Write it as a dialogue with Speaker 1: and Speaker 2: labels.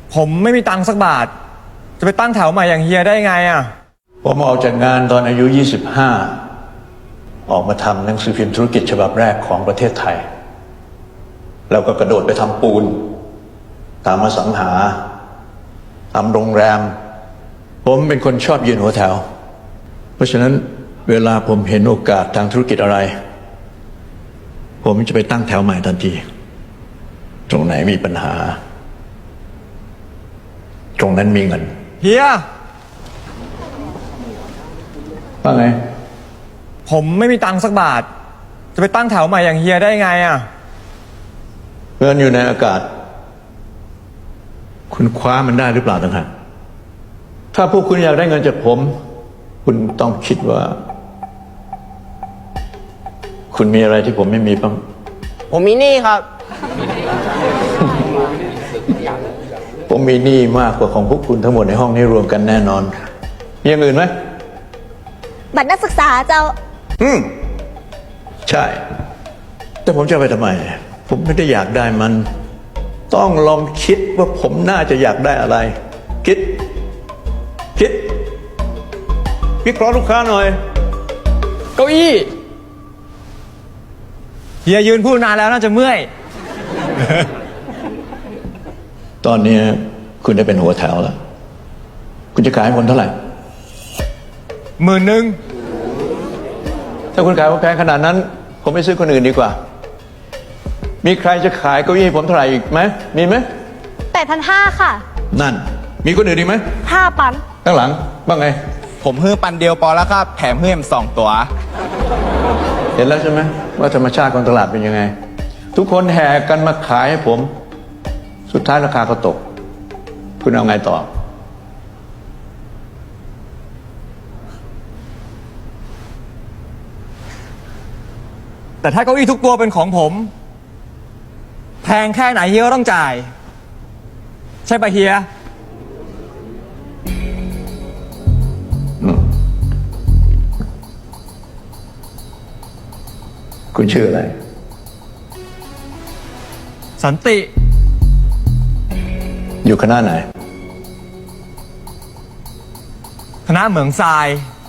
Speaker 1: ผมไม่มีตังค์สักบาทจะไปตั้งแถวใหม่อย่างเฮียได้ไงอ่ะ
Speaker 2: ผมออกจากงานตอนอายุ 25 ออกมาทำหนังสือพิมพ์ธุรกิจฉบับแรกของประเทศไทย แล้วก็กระโดดไปทำปูนตามอสังหาทำโรงแรมผมเป็นคนชอบยืนหัวแถวเพราะฉะนั้นเวลาผมเห็นโอกาสทางธุรกิจอะไรผมจะไปตั้งแถวใหม่ทันทีตรงไหนมีปัญหาตรงนั้นมีเงิน
Speaker 1: เฮีย
Speaker 2: ว่าไง
Speaker 1: ผมไม่มีตังค์สักบาทจะไปตั้งแถวใหม่อย่างเฮียได้ไงอ่ะ
Speaker 2: เงินอยู่ในอากาศคุณคว้ามันได้หรือเปล่าต่างหากถ้าพวกคุณอยากได้เงินจากผมคุณต้องคิดว่าคุณมีอะไรที่ผมไม่มีบ้าง
Speaker 3: ผมมีหนี้ครับ
Speaker 2: ผมมีหนี้มากกว่าของพวกคุณทั้งหมดในห้องนี้รวมกันแน่นอนมีอย่างอื่นไหม
Speaker 4: บัตรนักศึกษาเจ้า
Speaker 2: ใช่แต่ผมจะไปทำไมผมไม่ได้อยากได้มันต้องลองคิดว่าผมน่าจะอยากได้อะไรคิดวิเคราะห์ลูกค้าหน่อย
Speaker 1: เก้าอี้เฮียยืนพูดนานแล้วน่าจะเมื่อย
Speaker 2: ตอนนี้คุณได้เป็นหัวแถวแล้วคุณจะขายให้ผมเท่าไหร่
Speaker 1: 10,000
Speaker 2: ถ้าคุณขายผมแพงขนาดนั้นผมไม่ซื้อคนอื่นดีกว่ามีใครจะขายเก้าอี้ให้ผมเท่าไหร่อีกไหมมีไหม
Speaker 4: 8,500ค่ะ
Speaker 2: นั่นมีคนอื่นอีกไหม
Speaker 4: 5 ปัน
Speaker 2: ข้างหลังบ้างไง
Speaker 3: ผมฮื้อปันเดียวพอแล้วครับแถมฮื้อม2 ตัว
Speaker 2: เห็นแล้วใช่ไหมว่าธรรมชาติของตลาดเป็นยังไงทุกคนแห่กันมาขายให้ผมสุดท้ายราคาก็ตกคุณเอาไงต่อ
Speaker 1: แต่ถ้าเก้าอี้ทุกตัวเป็นของผมแพงแค่ไหนเฮียก็ต้องจ่ายใช่ปะเฮีย
Speaker 2: คุณชื่ออะไร
Speaker 1: สันติ
Speaker 2: อยู่คณะไหน
Speaker 1: คณะเหมืองทราย